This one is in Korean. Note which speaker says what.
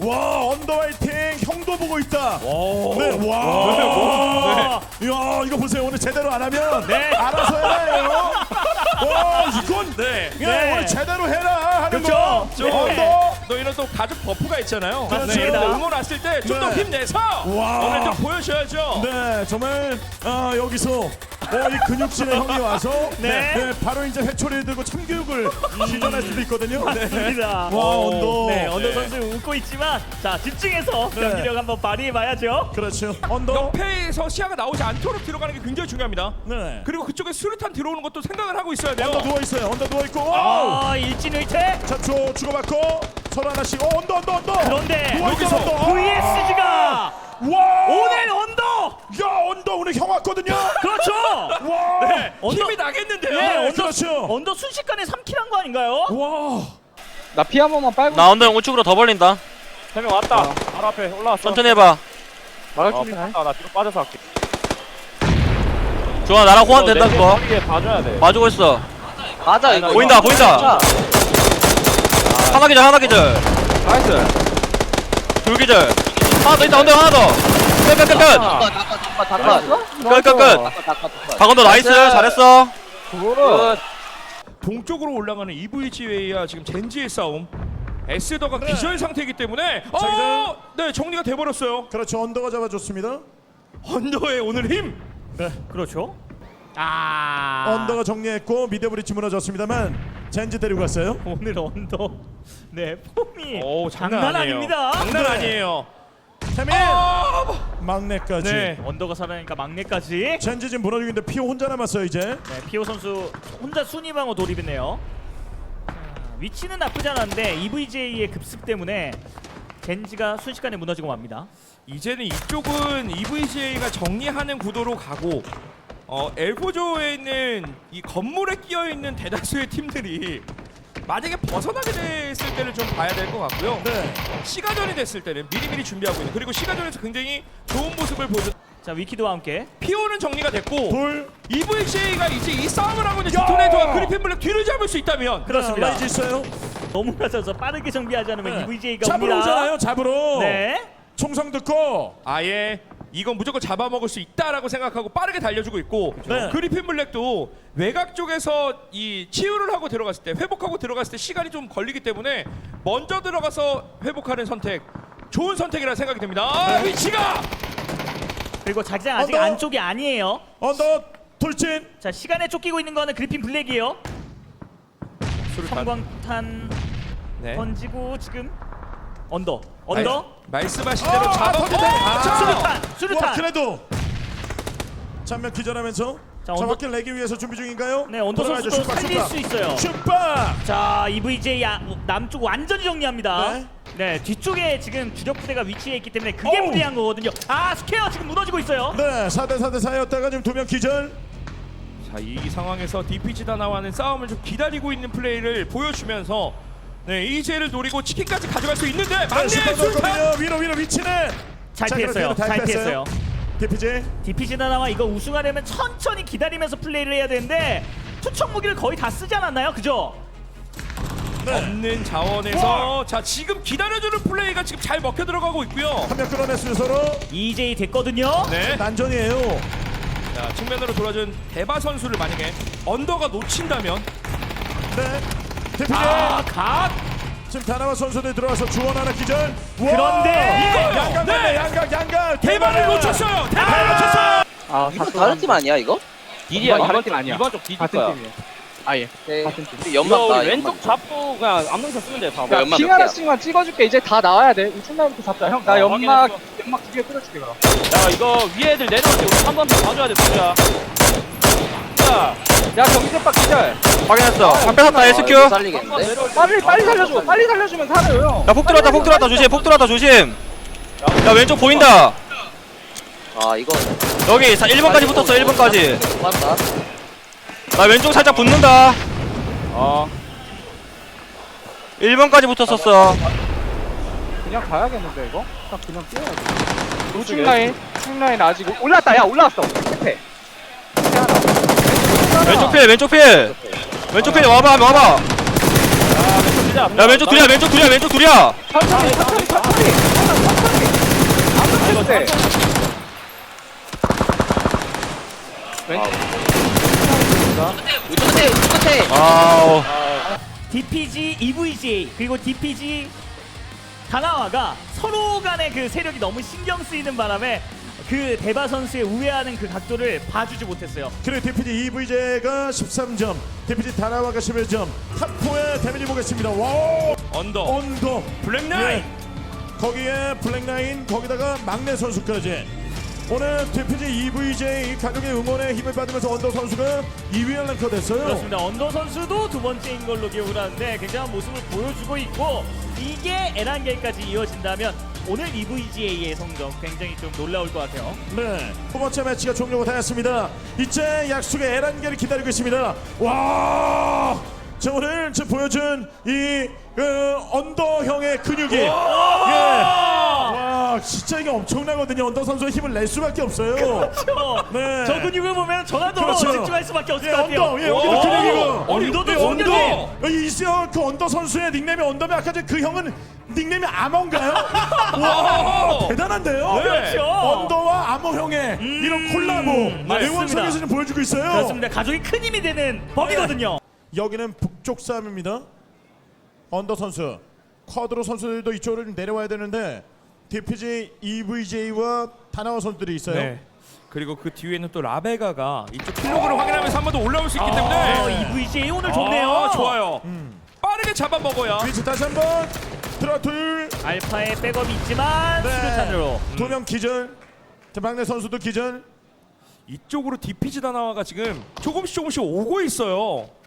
Speaker 1: 와 언더라이팅 형도 보고 있다.
Speaker 2: 오.
Speaker 1: 네, 와. 이야 이거 보세요. 오늘 제대로 안 하면 알아서 해라 해요. 와 이건
Speaker 2: 네.
Speaker 1: 야, 오늘 제대로 해라 하는
Speaker 2: 그렇죠.
Speaker 1: 거. 언더.
Speaker 2: 너 이런 또 가족 버프가 있잖아요.
Speaker 1: 그렇죠.
Speaker 2: 네, 응원 왔을 때 좀 더
Speaker 1: 네.
Speaker 2: 힘내서
Speaker 1: 와.
Speaker 2: 오늘 좀 보여줘야죠.
Speaker 1: 네 정말 여기서 이 근육질의 형이 와서 바로 이제 회초리를 들고 참교육을 시전할 수도 있거든요.
Speaker 3: 맞습니다.
Speaker 1: 와 언더.
Speaker 3: 네, 언더 선수 웃고 있지만 자 집중해서 경기력 한번 발휘해봐야죠.
Speaker 1: 그렇죠. 언더.
Speaker 2: 옆에서 시야가 나오지 않도록 들어가는 게 굉장히 중요합니다.
Speaker 1: 네.
Speaker 2: 그리고 그쪽에 수류탄 들어오는 것도 생각을 하고 있어야 돼요.
Speaker 1: 언더 누워 있어요. 언더 누워 있고.
Speaker 3: 일진의퇴.
Speaker 1: 자, 주고받고 서로 하나씩. 언더.
Speaker 3: 그런데
Speaker 1: 누워 있어,
Speaker 2: 여기서
Speaker 1: 언더.
Speaker 3: VSG가
Speaker 1: 와!
Speaker 3: 오늘 언더.
Speaker 1: 야, 언더 오늘 형 왔거든요.
Speaker 3: 그렇죠.
Speaker 1: 와!
Speaker 2: 네,
Speaker 3: 언더-
Speaker 2: 힘이 나겠는데요.
Speaker 3: 네, 언더
Speaker 1: 그렇죠.
Speaker 3: 언더 순식간에 3킬 한 거 아닌가요?
Speaker 1: 와!
Speaker 4: 나 피 한 번만 빨고
Speaker 5: 나 언더 형 우측으로 더 벌린다.
Speaker 6: 3명 왔다. 바로 앞에 올라왔어.
Speaker 5: 천천히 해봐.
Speaker 4: 막을 준비 해.
Speaker 6: 나 뒤로 빠져서 할게.
Speaker 5: 좋아, 나랑 호환 된다 그거.
Speaker 6: 이게 봐줘야 돼.
Speaker 5: 봐주고 있어.
Speaker 4: 맞아 이거.
Speaker 5: 보인다. 하나 기절.
Speaker 4: 나이스.
Speaker 5: 둘 기절. 하나 더 있다. 언더 하나 더. 끝. 박언더 나이스. 잘했어.
Speaker 4: 굿.
Speaker 2: 동쪽으로 올라가는 EVGA와 지금 젠지의 싸움. 에스더가 기절 상태이기 때문에 네, 정리가 돼버렸어요.
Speaker 1: 그렇죠. 언더가 잡아줬습니다.
Speaker 2: 언더의 오늘 힘.
Speaker 3: 그렇죠.
Speaker 1: 언더가 정리했고 미드 브리치 무너졌습니다만 젠지 데리고 갔어요.
Speaker 3: 오늘 언더 네 폼이
Speaker 2: 오,
Speaker 3: 장난 아닙니다.
Speaker 2: 장난
Speaker 1: 네.
Speaker 2: 아니에요.
Speaker 1: 태민 막내까지.
Speaker 2: 네.
Speaker 3: 언더가 살아나니까 막내까지.
Speaker 1: 젠지 지금 무너지고 있는데 피오 혼자 남았어요 이제.
Speaker 3: 네, 피오 선수 혼자 순위방어 돌입했네요. 자, 위치는 나쁘지 않았는데 EVJ의 급습 때문에 젠지가 순식간에 무너지고 맙니다.
Speaker 2: 이제는 이쪽은 EVGA가 정리하는 구도로 가고 엘포조에 있는 이 건물에 끼어 있는 대다수의 팀들이 만약에 벗어나게 됐을 때를 좀 봐야 될 것 같고요.
Speaker 1: 네.
Speaker 2: 시가전이 됐을 때는 미리미리 준비하고 있는, 그리고 시가전에서 굉장히 좋은 모습을 보여준
Speaker 3: 자 위키드와 함께
Speaker 2: 피오는 정리가 됐고
Speaker 1: 돌.
Speaker 2: EVGA가 이제 이 싸움을 하고 있는 디토네이터와 그리핀 블랙 뒤를 잡을 수 있다면
Speaker 3: 그렇습니다.
Speaker 1: 라이즈 있어요.
Speaker 3: 너무 낮아서 빠르게 정비하지 않으면
Speaker 1: 네.
Speaker 3: EVJ가
Speaker 1: 잡으러
Speaker 3: 옵니다.
Speaker 1: 오잖아요. 잡으러.
Speaker 3: 네.
Speaker 1: 총성 듣고.
Speaker 2: 아예 이건 무조건 잡아먹을 수 있다라고 생각하고 빠르게 달려주고 있고
Speaker 1: 네.
Speaker 2: 그리핀 블랙도 외곽 쪽에서 이 치유를 하고 들어갔을 때, 회복하고 들어갔을 때 시간이 좀 걸리기 때문에 먼저 들어가서 회복하는 선택, 좋은 선택이라 생각이 됩니다. 위치가
Speaker 3: 그리고 자기장 아직
Speaker 1: 언더.
Speaker 3: 안쪽이 아니에요.
Speaker 1: 언더 돌진.
Speaker 3: 자 시간에 쫓기고 있는 거는 그리핀 블랙이에요. 성광탄
Speaker 2: 네.
Speaker 3: 던지고 지금 언더.
Speaker 2: 말씀하신 대로 잡아먹고
Speaker 3: 수류탄.
Speaker 1: 와
Speaker 3: 수류탄.
Speaker 1: 그래도 장면 기절하면서
Speaker 3: 자, 언더-
Speaker 1: 정확히 내기 위해서 준비 중인가요?
Speaker 3: 네 언더
Speaker 1: 돌아가죠.
Speaker 3: 선수도
Speaker 1: 슈퍼,
Speaker 3: 살릴
Speaker 1: 슈퍼.
Speaker 3: 수 있어요.
Speaker 1: 슈퍼.
Speaker 3: 자 EVJ 남쪽 완전히 정리합니다.
Speaker 1: 네.
Speaker 3: 네 뒤쪽에 지금 주력 부대가 위치해 있기 때문에 그게
Speaker 1: 어우.
Speaker 3: 불리한 거거든요. 스퀘어 지금 무너지고 있어요.
Speaker 1: 네 4대 4였다가 지금 2명 기절.
Speaker 2: 자, 이 상황에서 DPG 다나와는 싸움을 좀 기다리고 있는 플레이를 보여주면서 이제를 노리고 치킨까지 가져갈 수 있는데 막내 술탄.
Speaker 1: 위로 위치는
Speaker 3: 잘
Speaker 1: 자,
Speaker 3: 피했어요.
Speaker 1: 그럼
Speaker 3: 잘 피했어요.
Speaker 1: DPG.
Speaker 3: DPG 나와 이거 우승하려면 천천히 기다리면서 플레이를 해야 되는데 투척 무기를 거의 다 쓰지 않았나요? 그죠?
Speaker 2: 없는 자원에서 자 지금 기다려주는 플레이가 지금 잘 먹혀 들어가고 있고요.
Speaker 1: 한 명 끌어냈어요 서로.
Speaker 3: EJ 됐거든요.
Speaker 2: 네.
Speaker 1: 난전이에요.
Speaker 2: 자 측면으로 돌아준 대바 선수를 만약에 언더가 놓친다면
Speaker 1: 네. DPG.
Speaker 2: 갓
Speaker 1: 지금 다나와 선수들 들어와서 주원 하나 기절.
Speaker 3: 그런데
Speaker 2: 이거요.
Speaker 1: 양각
Speaker 2: 네.
Speaker 1: 양각
Speaker 2: 대바를 놓쳤어요. 대바를 놓쳤어요.
Speaker 7: 이거 다른 팀 아니야 이거?
Speaker 6: 딜이야.
Speaker 4: 이번
Speaker 6: 이번
Speaker 4: 팀 아니야.
Speaker 6: 이번 쪽 딜일
Speaker 4: 같은
Speaker 6: 거야.
Speaker 4: 팀이에요. 아예.
Speaker 7: 네.
Speaker 4: 같은 팀.
Speaker 7: 우리
Speaker 6: 이거
Speaker 7: 연막
Speaker 6: 우리 왼쪽 잡고 그냥 암능선 쓰면 돼. 봐봐.
Speaker 7: 연막
Speaker 4: 핑
Speaker 7: 몇 개야?
Speaker 4: 하나씩만 찍어줄게. 이제 다 나와야 돼. 우측 나부터 잡자. 형, 나 연막 두 개 끓여줄게 그럼.
Speaker 6: 야 이거 위에 애들 내려올 때 우리 한 번 더 봐줘야 돼. 진짜. 자,
Speaker 4: 야 경기대박 기절.
Speaker 5: 확인했어. 한 뺏었다 SQ.
Speaker 7: 이거 살리겠는데?
Speaker 6: 내려올 때
Speaker 4: 빨리 살려줘. 빨리 살려주면 살아요.
Speaker 5: 야, 폭 들어왔다 조심. 폭 들어왔다 조심. 야, 왼쪽 보인다.
Speaker 7: 이거
Speaker 5: 여기 1번까지 붙었어. 1번까지.
Speaker 7: 맞다.
Speaker 5: 나 왼쪽 살짝 붙는다. 1번까지 붙었었어.
Speaker 4: 그냥 가야겠는데 이거? 딱 그냥 뛰어야지. 우측 라인 아직 올랐다. 야 올라왔어. 끝에.
Speaker 5: 왼쪽 필. 왼쪽 필 와봐.
Speaker 2: 자 왼쪽
Speaker 6: 가자.
Speaker 5: 야 왼쪽 둘이야 왼쪽 둘이야 왼쪽 둘이야.
Speaker 4: 천천히 천천히 천천히 아무 때 왼쪽
Speaker 7: 끝에
Speaker 5: 아우.
Speaker 3: DPG, EVGA 그리고 DPG 다나와가 서로 간의 그 세력이 너무 신경 쓰이는 바람에 그 대바 선수의 우회하는 그 각도를 봐주지 못했어요.
Speaker 1: 그리고 DPG EVJ가 13점, DPG 다나와가 11점. 탑4의 데미지 보겠습니다. 와, 언더
Speaker 2: 블랙나인.
Speaker 1: 거기에 블랙라인, 거기다가 막내 선수까지. 오늘 DPG EVJ 가족의 응원에 힘을 받으면서 언더 선수가 2위에 랭커 됐어요.
Speaker 3: 그렇습니다. 언더 선수도 두 번째인 걸로 기억을 하는데 굉장한 모습을 보여주고 있고 이게 에란겔까지 이어진다면 오늘 EVGA의 성적 굉장히 좀 놀라울 것 같아요.
Speaker 1: 네, 두 번째 매치가 종료가 되었습니다. 이제 약속의 에란겔이 기다리고 있습니다. 와, 자 오늘 지금 보여준 이 언더형의 근육이, 예, 와 진짜 이게 엄청나거든요. 언더 선수의 힘을 낼 수밖에 없어요.
Speaker 3: 그렇죠.
Speaker 1: 네.
Speaker 3: 저 근육을 보면 전화도
Speaker 1: 그렇죠.
Speaker 3: 집중할 수밖에 없을
Speaker 1: 예,
Speaker 3: 것 같아요.
Speaker 1: 언더, 예, 여기도 근육이고.
Speaker 3: 언더도
Speaker 1: 예,
Speaker 3: 공격이.
Speaker 1: 여기 있어요. 그 언더 선수의 닉네임이 언더면 아까 전그 형은 닉네임이 아머인가요? 와, 대단한데요.
Speaker 3: 그렇죠.
Speaker 1: 언더와 아머형의 이런 콜라보
Speaker 3: 맞습니다.
Speaker 1: 응원석에서 좀 보여주고 있어요.
Speaker 3: 그렇습니다. 가족이 큰 힘이 되는 법이거든요.
Speaker 1: 여기는 북쪽 싸움입니다. 언더 선수, 쿼드로 선수들도 이쪽으로 좀 내려와야 되는데 DPG EVJ와 다나와 선수들이 있어요.
Speaker 2: 네. 그리고 그 뒤에는 또 라베가가 이쪽 킬로그를 확인하면서 한 번 더 올라올 수 있기 때문에
Speaker 3: EVGA 오늘 좋네요.
Speaker 2: 좋아요. 빠르게 잡아먹어야.
Speaker 1: 위치 다시 한번 들어 둘,
Speaker 3: 알파의 백업이 있지만 수류탄으로.
Speaker 1: 두 명 기절. 자, 막내 선수도 기절.
Speaker 2: 이쪽으로 DPG 다나와가 지금 조금씩 오고 있어요.